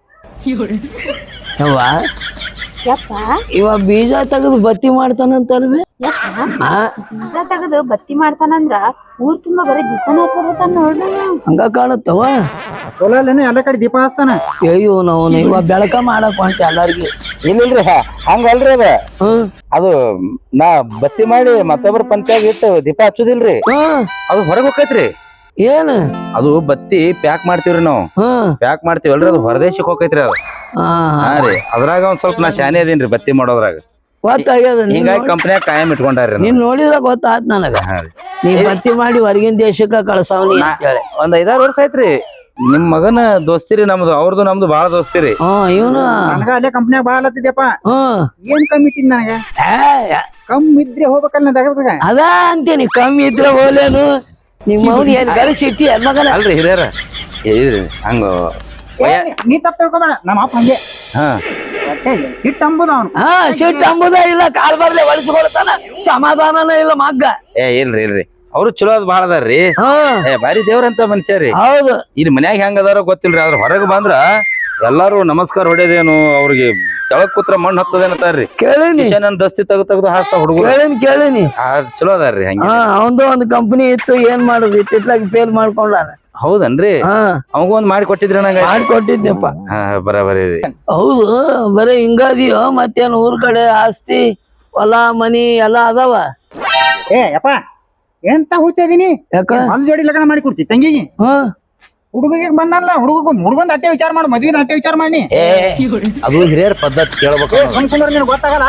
S3: ಯವ್ವ
S1: ಯಪ್ಪ
S3: ಇವ ಬೀಜ ತೆಗೆದು ಬತ್ತಿ ಮಾಡ್ತಾನಂತಲ್ವೇ?
S1: ಯಪ್ಪ ಬೀಜ ತೆಗೆದು ಬತ್ತಿ ಮಾಡ್ತಾನಂದ್ರ ಊರ್ ತುಂಬಾ ಬರೀ ದೀಪನ ಹಚ್ಕೋತಾನ ನೋಡ್ರಿ.
S3: ಹಂಗ ಕಾಣತ್ತವ.
S2: ಚಲೋ ಅಲ್ಲೇನು ಎಲ್ಲ ಕಡೆ ದೀಪ ಹಚ್ತಾನ.
S3: ಅಯ್ಯೋ ನಾವು ಇವ ಬೆಳಕ ಮಾಡಕ್ ಹೊಂಟ ಎಲ್ಲಾರ್ಗಿ.
S4: ಇಲ್ಲಿಲ್ರಿ, ಹಂಗಲ್ರಿ ಅದ.
S3: ಹ್ಮ್
S4: ಅದು ನಾ ಬತ್ತಿ ಮಾಡಿ ಮತ್ತೊಬ್ಬರ ಪಂಚಾಗ ಇಟ್ಟು ದೀಪ ಹಚ್ಚುದಿಲ್ರಿ,
S3: ಹ್ಮ್
S4: ಅದು ಹೊರಗ್ ಹೋಗೈತ್ರಿ.
S3: ಏನ್
S4: ಅದು ಬತ್ತಿ ಪ್ಯಾಕ್ ಮಾಡ್ತೀವ್ರಿ ನಾವು.
S3: ಹ್ಮ್
S4: ಪ್ಯಾಕ್ ಮಾಡ್ತೀವಲ್ರಿ, ಅದು ಹೊರದೇಶಕ್ ಹೋಗೈತ್ರಿ ಅದು.
S3: ಹಾ
S4: ಹಾ ರೀ, ಅದ್ರಾಗ ಒಂದ್ ಸ್ವಲ್ಪ ನಾ ಶಾನೆ ಅದೀನ್ರಿ ಬತ್ತಿ ಮಾಡೋದ್ರಾಗ.
S3: ಗೊತ್ತಾಗ್ಯದ.
S4: ಹಿಂಗಾಗಿ ಕಂಪ್ನ್ಯಾಗ ಕಾಯಂ ಇಟ್ಕೊಂಡಾರ್ರಿ.
S3: ನೀನ್ ನೋಡಿದ್ರ ಗೊತ್ತಾತ್ ನನಗ. ನೀ ಬತ್ತಿ ಮಾಡಿ ಹೊರಗಿನ ದೇಶಕ್ಕ ಕಳ್ಸವ್ನಿ ಅಂತೇಳಿ.
S4: ಒಂದ್ ಐದಾರು ವರ್ಷ ಆಯ್ತ್ರಿ. ನಿಮ್ ಮಗನ ದೋಸ್ತಿರಿ ನಮ್ದು, ಅವ್ರದ್ದು ನಮ್ದು ಬಾಳ ದೋಸ್ತಿರಿ.
S3: ಹ್ಮ್ ಇವನು
S2: ನನಗ ಅಲ್ಲೇ ಕಂಪ್ನ್ಯಾಗ ಬಾಳ ಹತ್ತಿದ್ಯಪ್ಪ.
S3: ಹ್ಮ್
S2: ಏನ್ ಕಮ್ಮಿ ಇಟ್ಟಿದ್ ನನಗ? ಕಮ್ಮಿ ಇದ್ರೆ ಹೋಗ್ಬೇಕಲ್ಲ ತಗದಾಗ.
S3: ಅದ ಅಂತೀನಿ, ಕಮ್ಮಿ ಇದ್ರೆ ಹೋಲೇನು ನಿಮ್ಮ ಅವ್ನು ಏನ್ ಗಳಿಸಿಟ್ಟಿ ಮಗನ.
S4: ಅಲ್ರಿ ಹಿರಿಯರ ಹಂಗ
S2: ನೀ ತಪ್ಪ ತಿಳ್ಕೊಬೇಡ, ನಮ್ಮ ಅಪ್ಪ ಹಂಗೆ.
S4: ಹಾ
S2: ಸಿಟ್ಟು ಅಂಬುದ ಅವ್ನು.
S3: ಹಾ ಸಿಟ್ಟು ಅಂಬುದ ಇಲ್ಲ, ಕಾಲ್ ಬರ್ಲೆ ಒಳಸ್ಕೊಳ್ತಾನ, ಸಮಾಧಾನನ ಇಲ್ಲ ಮಗ್ಗ.
S4: ಏ ಇಲ್ರಿ ಇಲ್ರಿ, ಅವ್ರು ಚಲೋ ಅದ್ ಬಾಳ ಅದಾರ್ರಿ.
S3: ಹಾ
S4: ಏ ಬಾರಿ ದೇವ್ರಂತ ಮನುಷ್ಯ ರೀ.
S3: ಹೌದು.
S4: ಇಲ್ಲಿ ಮನ್ಯಾಗ ಹೆಂಗ ಅದಾರೋ ಗೊತ್ತಿಲ್ರಿ, ಅದ್ರ ಹೊರಗೆ ಬಂದ್ರ ಎಲ್ಲಾರು ನಮಸ್ಕಾರ ಹೊಡೆದೇನು, ಅವ್ರಿಗೆ ತೆಳಗ್ ಕೂತ್ರ ಮಣ್ಣು ಹತ್ತದೇನತಾರ್ರಿ.
S3: ಕೇಳಿನಿ
S4: ನನ್ ದಸ್ತಿ ತೆಗ್ದು ತೆಗ್ದು ಹಾಕ್ತಾ ಹುಡುಗ.
S3: ಕೇಳಿನಿ ಕೇಳಿನಿ
S4: ಚಲೋ ಅದಾರ್ರಿ ಹಂಗ.
S3: ಹಾ ಅವಂದು ಒಂದು ಕಂಪನಿ ಇತ್ತು, ಏನ್ ಮಾಡುದು ಇತ್ತಿತ್ಲಾಗಿ ಫೇಲ್ ಮಾಡ್ಕೊಂಡಾನ.
S4: ಹೌದನ್ರಿ?
S3: ಹಾ
S4: ಅವಂಗ ಒಂದ್ ಮಾಡಿ ಕೊಟ್ಟಿದ್ರಿ ನಂಗ.
S3: ಮಾಡ್ಕೊಟ್ಟಿದ್ನಪ್ಪ.
S4: ಹಾ ಬರಾಬರಿ ರೀ.
S3: ಹೌದು, ಬರೀ ಹಿಂಗದಿಯೋ ಮತ್ತೇನ್ ಊರ್ ಕಡೆ ಆಸ್ತಿ ಹೊಲ ಮನಿ ಎಲ್ಲಾ ಅದಾವ?
S2: ಏ ಯಪ್ಪ ಎಂತ ಹುಚ್ಚದೀನಿ.
S3: ಯಾಕ?
S2: ಹೊಲ ಜೋಡಿ ಲಗ್ನ ಮಾಡಿ ಕೊಡ್ತಿ ತಂಗಿಗೆ.
S3: ಹ್ಮ್
S2: ಹುಡುಗಿಗೆ ಬಂದಲ್ಲ, ಹುಡುಗ ಹುಡುಗಂದ ಅಟ್ಟೆ ವಿಚಾರ ಮಾಡಿ, ಮದ್ವಿದ ಅಟ್ಟೆ ವಿಚಾರ ಮಾಡಿ.
S4: ಏ ಅದು ಹಿರಿಯರ ಪದ್ಧತಿ ಕೇಳ್ಬೇಕು.
S2: ಅನ್ಕೊಂಡ್ರ ನಿನ್ ಗೊತ್ತಾಗಲ್ಲ.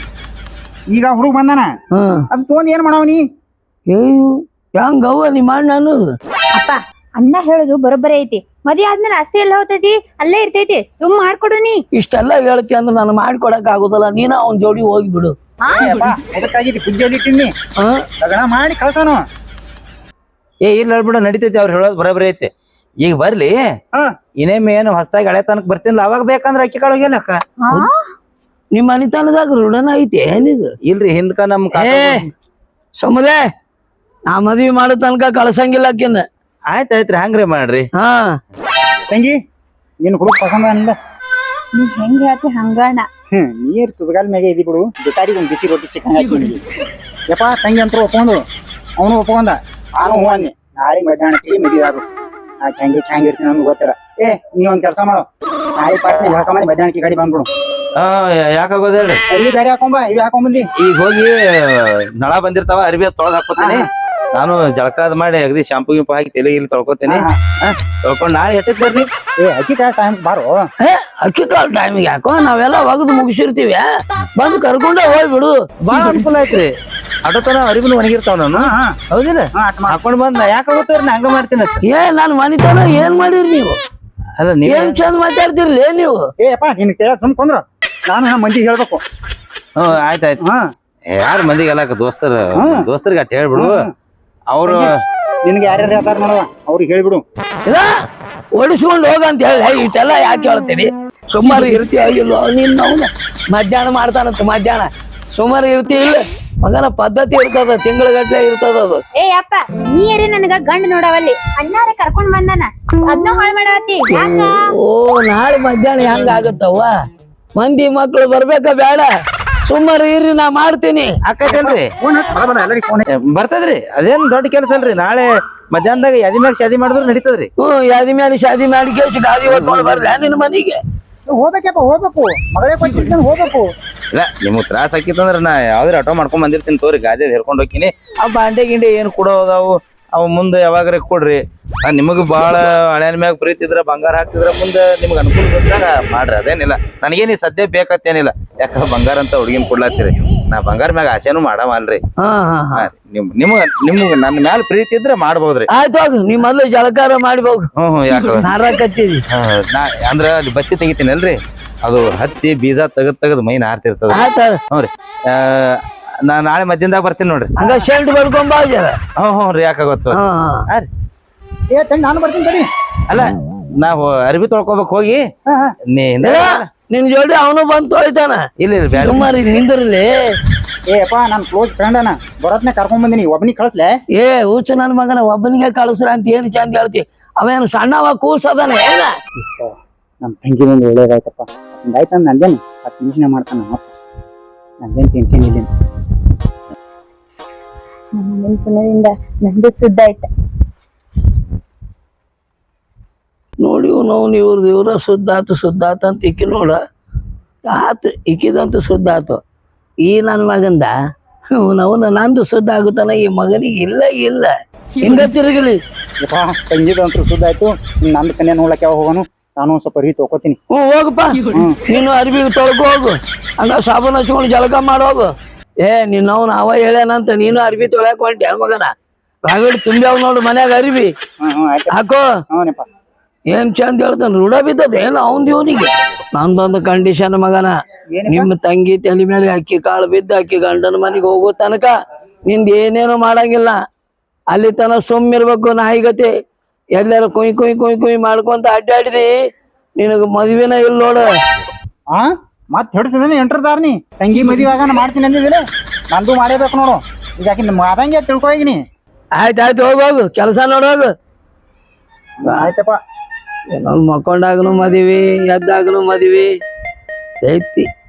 S2: ಈಗ ಹುಡುಗ ಬಂದಾನ,
S3: ಹ್ಮ್
S2: ಅದ್ ಫೋನ್ ಏನ್ ಮಾಡವನಿ?
S3: ಅಯ್ಯೋ ಹೆಂಗವ್ವ ನಿಮ್ಮ ಅಣ್ಣ ಅನ್ನೋದು?
S1: ಅಪ್ಪ ಅಣ್ಣ ಹೇಳುದು ಬರೋಬ್ಬರಿ ಐತಿ. ಮದ್ವೆ ಆದ್ಮೇಲೆ ಆಸ್ತಿ ಎಲ್ಲ ಹೋಗ್ತೈತಿ ಅಲ್ಲೇ ಇರ್ತೈತಿ ಸುಮ್ ಮಾಡ್ಕೊಡು ನೀ.
S3: ಇಷ್ಟೆಲ್ಲ ಹೇಳ್ತಿ ಅಂದ್ರೆ ನಾನು ಮಾಡ್ಕೊಡಕ್ ಆಗುದಲ್ಲ, ನೀನ ಅವನ್ ಜೋಡಿ ಹೋಗಿ ಬಿಡು.
S2: ಅದಕ್ಕಾಗಿದ್ದು ಬುದ್ಧಿಯಲ್ಲಿ ಇಟ್ಟಿನಿ
S3: ಹಾ
S2: ಲಗ್ನ ಮಾಡಿ ಕಳ್ಸೋನು.
S4: ಏ ಇಲ್ಲ ಹೇಳ್ಬಿಡು, ನಡಿತೈತಿ ಅವ್ರು ಹೇಳೋದು ಬರೋಬ್ಬರಿ ಐತಿ. ಈಗ ಬರ್ಲಿ
S2: ಹಾ
S4: ಇನ್ನೇಮ್ ಏನು ಹೊಸದಾಗಿ ಹಳೆ ತನಕ ಬರ್ತೀನಿಲ್ಲ, ಅವಾಗ ಬೇಕಂದ್ರೆ ಅಕ್ಕಿ ಕಾಳು ಹೋಗ್ಯಲ್ಲ ಅಕ್ಕ.
S3: ನಿಮ್ ಮನಿತನದಾಗ ಋಣನ ಐತಿ ಏನಿದು?
S4: ಇಲ್ರಿ ಹಿಂದ್ಕ ನಮ್
S3: ಏ ಸುಮ್ರೆ ನಾ ಮದ್ವಿ ಮಾಡೋ ತನಕ ಕಳ್ಸಂಗಿಲ್ಲ ಆಕಿನ.
S4: ಆಯ್ತ್ ಆಯ್ತ್ರಿ ಹಂಗ್ರಿ ಮಾಡ್ರಿ.
S3: ಹಾ
S2: ತಂಗಿ ನಿನ್ ಹುಡುಗ ಪಸಂದ ಅನ್ಲ.
S1: ನೀ ಹೆಂಗ್ ಹೇಳ್ತಿ ಹಂಗಣ್ಣ.
S2: ಹ್ಮ್ ನೀರ್ ತುದಗಾಲ್ ಮ್ಯಾಗೆ ಇದಿ ಬಿಡು, ಬೇಕಾರಿಗೆ ಒಂದ್ ಬಿಸಿ ರೊಟ್ಟಿ ಸಿಕ್ಕಂಗ ಯಪ್ಪ. ತಂಗಿ ಅಂತ ಒಪ್ಕೊಂಡು ಅವನು ಒಪ್ಕೊಂಡ, ನಾನು ಹೂ ಅನ್ನಿ. ನಾಳೆ ಮಧ್ಯಾಹ್ನಕ್ಕೆ ಮದುವೆ ಆಗು. ಆ ಹೆಂಗಿ ಹೆಂಗಿರ್ತೀನಿ ನಮ್ಗೆ ಗೊತ್ತಿಲ್ಲ. ಏ ನೀ ಒಂದ್ ಕೆಲಸ ಮಾಡು, ನಾಳೆ ಪಾಟ್ನೆ ಹೇಳ್ಕೊಂಬಂದು ಮಧ್ಯಾಹ್ನಕ್ಕೆ ಗಾಡಿ ಬಂದ್ಬಿಡು.
S4: ಹಾ ಯಾಕಾಗೋದ್ ಹೇಳ್ರಿ.
S2: ಇಲ್ಲಿ ಬೇರೆ ಹಾಕೊಂಬ, ಇವ್ ಹಾಕೊಂಬಂದಿ.
S4: ಈಗ ಹೋಗಿ ನಳ ಬಂದಿರ್ತಾವ, ಅರಿವಿ ತೊಳೆದ್ ಹಾಕೋತೀನಿ. ನಾನು ಜಳಕಾದ್ ಮಾಡಿ ಅಗದಿ ಶಾಂಪು ಗಿಂಪು ಹಾಕಿ ತಲೆ ಇಲ್ಲಿ ತೊಳ್ಕೊತೀನಿ. ತೊಳ್ಕೊಂಡ್ ನಾಳೆ ಹೆಚ್ಚಕ್ ಬರ್ರಿ.
S2: ಏ ಅಕ್ಕಿ ಕಾಳ ಟೈಮ್ ಬಾರೋ.
S3: ಏ ಅಕ್ಕಿ ಕಾಲ್ ಟೈಮಿಗೆ ಯಾಕೋ ನಾವೆಲ್ಲ ಒಗದು ಮುಗಿಸಿರ್ತೀವಿ, ಬಂದು ಕರ್ಕೊಂಡೆ ಹೋಗ್ಬಿಡು.
S4: ಬಾಳ ಅನುಕೂಲ ಐತ್ರಿ. ಅಡತನ ಅರಿವಿನ ಒಣಗಿರ್ತಾವ ನಾನು. ಹೌದಿಲ್ಲ ಹಾಕೊಂಡ್ ಬಂದ್ ನಾ ಯಾಕ ಹೋಗ್ತಾರ ನಾ ಹಂಗ ಮಾಡ್ತೀನಿ.
S3: ಏ ನಾನ್ ಮನಿತನ ಏನ್ ಮಾಡಿರಿ ನೀವು?
S4: ಅಲ್ಲ ನೀವ್
S3: ಏನ್ ಚಂದ ಮಾತಾಡ್ತಿರ್ಲಿ ನೀವು.
S2: ಏ ಅಪ್ಪ ನಿನ್ ಕೇಳ ಸುಮ್ ಕೊಂದ್ರ, ನಾನು ನಮ್ಮ ಮಂದಿಗೆ ಹೇಳ್ಬೇಕು.
S4: ಹ್ಮ್ ಆಯ್ತಾಯ್ತು.
S2: ಹಾ
S4: ಯಾರ ಮಂದಿಗೆಲ್ಲ ದೋಸ್ತರ ದೋಸ್ತರಿಗೆ ಅಟ್ ಹೇಳ್ಬಿಡು. ಅವ್ರು
S2: ನಿನ್ಗೆ ಯಾರ್ಯಾರು ಹೇಳ್ತಾರ ನೋಡುವ ಅವ್ರಿಗೆ ಹೇಳ್ಬಿಡು.
S3: ಇಲ್ಲ ಓಡಿಸ್ಕೊಂಡು ಹೋಗಂತ ಹೇಳಿ ಇಷ್ಟೆಲ್ಲ ಯಾಕೆ ಹೇಳ್ತೀರಿ? ಸುಮಾರು ಇರ್ತೀಯ ಇಲ್ಲೋ ನೀನ್ ಅವ್ನ ಮಧ್ಯಾಹ್ನ ಮಾಡ್ತಾನಂತ. ಮಧ್ಯಾಹ್ನ ಸುಮಾರು ಇರ್ತಿ ಇಲ್ಲ ಮಗನ ಪದ್ಧತಿ ಇರ್ತದ, ತಿಂಗಳಗಟ್ಲೆ ಇರ್ತದ ಅದು.
S1: ಏ ಅಪ್ಪ ನೀ ಯಾರೇ ನನಗ ಗಂಡ ನೋಡವಲ್ಲಿ ಅಣ್ಣಾರ ಕರ್ಕೊಂಡ್ ಬಂದಾನ, ಅದ್ನ ಹಾಳ್ ಮಾಡಾತಿ ಯಾಕ?
S3: ಓ ನಾಳೆ ಮಧ್ಯಾಹ್ನ ಹೆಂಗ ಆಗತ್ತವ್ವ? ಮಂದಿ ಮಕ್ಳು ಬರ್ಬೇಕ ಬೇಡ? ಸುಮಾರು ಇರ್ರಿ ನಾ ಮಾಡ್ತೀನಿ.
S4: ಅಕ್ಕಲ್ರಿ
S2: ಫೋನ್ ಬರಬರ ಎಲ್ಲರಿಗೆ ಫೋನ್.
S4: ಬರ್ತದ್ರಿ, ಅದೇನ್ ದೊಡ್ಡ ಕೆಲಸ ಅಲ್ರಿ. ನಾಳೆ ಮಧ್ಯಾಹ್ನದಾಗ ಯಾದಿ ಮ್ಯಾಗ ಶಾದಿ ಮಾಡಿದ್ರು ನಡೀತದ್ರಿ.
S3: ಹ್ಮ್ ಯಾದಿ ಮೇಲೆ ಶಾದಿ ಮಾಡಿ ಕೇಸಿ ಗಾದಿ ಹೊತ್ಕೊಂಡು ಬರ್ಲ ನಿನ್ ಮನಿಗೆ?
S2: ಹೋಗ್ಬೇಕಪ್ಪ ಹೋಗ್ಬೇಕು, ಮಗಳೇ ಕೊಟ್ಟಿರ್ತಾನೆ ಹೋಗ್ಬೇಕು.
S4: ಇಲ್ಲ ನಿಮ್ಗ್ ತ್ರಾಸ ಆಕಿತ್ತಂದ್ರ ನಾ ಯಾವ್ದ್ರ ಆಟೋ ಮಾಡ್ಕೊಂಡ್ ಬಂದಿರ್ತೀನಿ ತೋರಿ, ಗಾದಿ ಹೇರ್ಕೊಂಡ್ ಹೋಗ್ತೀನಿ. ಆ ಬಾಂಡೆ ಗಿಂಡೆ ಏನ್ ಕೊಡೋದಾವು ಅವ್ ಮುಂದೆ ಯಾವಾಗ್ರೆ ಕೊಡ್ರಿ. ನಿಮಗ್ ಬಾಳ ಹಳೆಯ ಮ್ಯಾಗ ಪ್ರೀತಿ ಇದ್ರ ಬಂಗಾರ ಹಾಕ್ತಿದ್ರ ಮುಂದೆ ನಿಮ್ಗ್ ಅನುಕೂಲ ಬಂದಾಗ ಮಾಡ್ರಿ, ಅದೇನಿಲ್ಲ. ನನಗೇನಿ ಸದ್ಯ ಬೇಕತ್ತೇನಿಲ್ಲ, ಯಾಕಂದ್ರ ಬಂಗಾರ ಅಂತ ಹುಡುಗಿನ ಕೊಡ್ಲಾತಿರಿ. ನಾ ಬಂಗಾರ ಮ್ಯಾಗ ಆಸೆನೂ ಮಾಡವಲ್ರಿ.
S3: ಹಾ ಹಾ ಹಾ
S4: ನಿಮ್ ನಿಮ್ಗ ನಿಮ್ಗ್ ನನ್ನ ಮ್ಯಾಲ ಪ್ರೀತಿ ಇದ್ರ ಮಾಡ್ಬೋದ್ರಿ.
S3: ಆಯ್ತು ಹೋಗು, ನೀ ಮೊದ್ಲು ಜಳಕಾರ ಮಾಡ್ಬೇಕು.
S4: ಹ್ಮ್ ಹ್ಮ್ ಯಾಕ
S3: ನಾರಾಕತ್ತೀವಿ.
S4: ನಾ ಅಂದ್ರ ಅಲ್ಲಿ ಬತ್ತಿ ತೆಗಿತೀನಲ್ರಿ, ಅದು ಹತ್ತಿ ಬೀಜ ತೆಗದ್ ತೆಗದ್ ಮೈ ನಾರ್ತಿರ್ತದ.
S3: ಆಯ್ತ
S4: ಹ್ಞೂ ರೀ. ನಾ ನಾಳೆ ಮಧ್ಯಾಹ್ನದಾಗ ಬರ್ತೀನಿ ನೋಡ್ರಿ.
S3: ಹಂಗ ಶೆಲ್ಟ್ ಬಡ್ಕೊಂಡ್ ಬಾ ಜರ.
S4: ಹ್ಞೂ ಹ್ಞೂ ರೀ ಯಾಕಾಗತ್ತ.
S3: ಹಾ
S4: ಹಾ ರೀ.
S2: ಏ ತಂಗಿ ನಾನು ಬರ್ತೀನಿ ತಡಿ.
S4: ಅಲ್ಲ ನಾವು ಅರ್ಬಿ ತೊಳ್ಕೊಬೇಕು ಹೋಗಿ.
S2: ಹಾ ಹಾ
S4: ನೀ
S3: ಇಲ್ಲ, ನಿನ್ ಜೋಡಿ ಅವನು ಬಂದ್ ತೊಳಿತಾನ.
S4: ಇಲ್ಲ ಇಲ್ಲ ಬ್ಯಾಡ.
S3: ಸುಮಾರು ನಿಂದಿರ್ಲಿ.
S2: ಏ ಅಪ್ಪ ನಾನ್ ಕ್ಲೋಸ್ ಫ್ರೆಂಡ್ ಅಣ್ಣ, ಬರೋತ್ನೆ ಕರ್ಕೊಂಡ್ ಬಂದಿನಿ, ಒಬ್ಬನಿಗೆ ಕಳಿಸ್ಲೆ.
S3: ಏ ಹುಚ್ಚ ನನ್ ಮಗನ ಒಬ್ಬನಿಗೆ ಕಳಿಸ್ರ ಅಂತ ಏನ್ ಚಂದ ಹೇಳ್ತಿ? ಅವೇನು ಸಣ್ಣವ ಕೂಸದಾನ ಏನ?
S2: ನಮ್ ತಂಗಿ ಒಂದು ಒಳ್ಳೇದಾಯ್ತಪ್ಪ. ಆಯ್ತು ನಂದೇನು ಹತ್ತು ನಿಮಿಷನೇ ಮಾಡ್ತಾನ, ನಂದೇನು ಟೆನ್ಷನ್ ಇಲ್ಲ.
S1: ನಮ್ಮ ನೆನಪಿನಿಂದ ನಂದು ಸುದ್ದ ಆಯ್ತ.
S3: ನೋಡಿ ನಾವು ಇವ್ರದ್ದು ಇವ್ರ ಸುದ್ದ ಆತು ಸುದ್ದ ಆತ ಅಂತ ಇಕ್ಕಿ ನೋಡ ಆತು, ಇಕ್ಕಿದಂತೂ ಸುದ್ದ ಆತು. ಈ ನನ್ನ ಮಗಂದ ಅವನ ನಂದು ಸುದ್ದ ಆಗುತ್ತಾನ, ಈ ಮಗನಿಗೆ ಇಲ್ಲ ಇಲ್ಲ ಹಿಂಗ ತಿರುಗಲಿ.
S2: ಯಪ್ಪ ತಂಗಿದು ಅಂತೂ ಸುದ್ದ ಆಯ್ತು. ನಂದು ಕನ್ಯಾ ನೋಡ್ಲಕ್ಕೆ ಯಾವಾಗ ಹೋಗೋನು, ನಾನು ಒಂದ್ ಸ್ವಲ್ಪ ರೀ ತೊಗೋತೀನಿ.
S3: ಹ್ಞೂ ಹೋಗಪ್ಪ, ನೀನು ಅರ್ಬಿ ತೊಳ್ಕೊ ಹೋಗು, ಹಂಗ ಸಾಬೂನ್ ಹಚ್ಕೊಂಡು ಜಳಕ ಮಾಡೋಗು. ಏ ನೀನ್ ಅವ್ನ ಅವ ಹೇಳ್ಯಾನಂತ ನೀನು ಅರ್ಬಿ ತೊಳ್ಯಾಕ ಹೊಂಟಿ ಮಗನ. ರಾಗಡಿ ತುಂಬ್ಯಾವ ನೋಡು ಮನ್ಯಾಗ ಅರ್ಬಿ
S2: ಹ್ಮ್ ಹ್ಮ್ ಆಯ್ತು.
S3: ಹಾಕೋ.
S2: ಹ್ಞೂನಪ್ಪ.
S3: ಏನ್ ಚಂದ ಹೇಳ್ತಾನ, ರೂಢ ಬಿದ್ದದ ಏನು ಅವನ್ ಇವನಿಗೆ. ನಂದೊಂದು ಕಂಡೀಷನ್ ಮಗನ, ನಿಮ್ಮ ತಂಗಿ ತಲೆ ಮೇಲೆ ಅಕ್ಕಿ ಕಾಳು ಬಿದ್ದು ಅಕ್ಕಿ ಗಂಡನ ಮನೆಗೆ ಹೋಗೋ ತನಕ ನಿಂದ ಏನೇನು ಮಾಡಂಗಿಲ್ಲ. ಅಲ್ಲಿ ತನ ಸುಮ್ಮಿರ್ಬೇಕು ನಾಯಿಗತಿ. ಎಲ್ಲಾರು ಕುಯ್ ಕುಯ್ ಕುಯ್ ಕುಯ್ ಮಾಡ್ಕೊಂತ ಅಡ್ಡಾಡಿದಿ, ನಿನಗ ಮದ್ವಿನ ಇಲ್ಲ ನೋಡು.
S2: ಹಾ ಮತ್ ಹಿಡಿಸಿದ್ರೆ ಎಂಟ್ರದಾರ್ನಿ ತಂಗಿ ಮದುವೆ ಆಗ ಮಾಡ್ತೀನಿ ಅಂದಿದ್ರೆ ನಂದು ಮಾಡೇಬೇಕು ನೋಡು. ಈಗ ಆಕಿ ಮಾದಂಗೆ ತಿಳ್ಕೊ ಈಗಿನಿ.
S3: ಆಯ್ತಾಯ್ತು ಹೋಗೋಗು, ಕೆಲಸ ನೋಡೋಗು.
S2: ಆಯ್ತಪ್ಪ.
S3: ಏನೋ ಮಕ್ಕೊಂಡಾಗನು ಮದ್ವಿ, ಎದ್ದಾಗನು ಮದ್ವಿ ಐತಿ.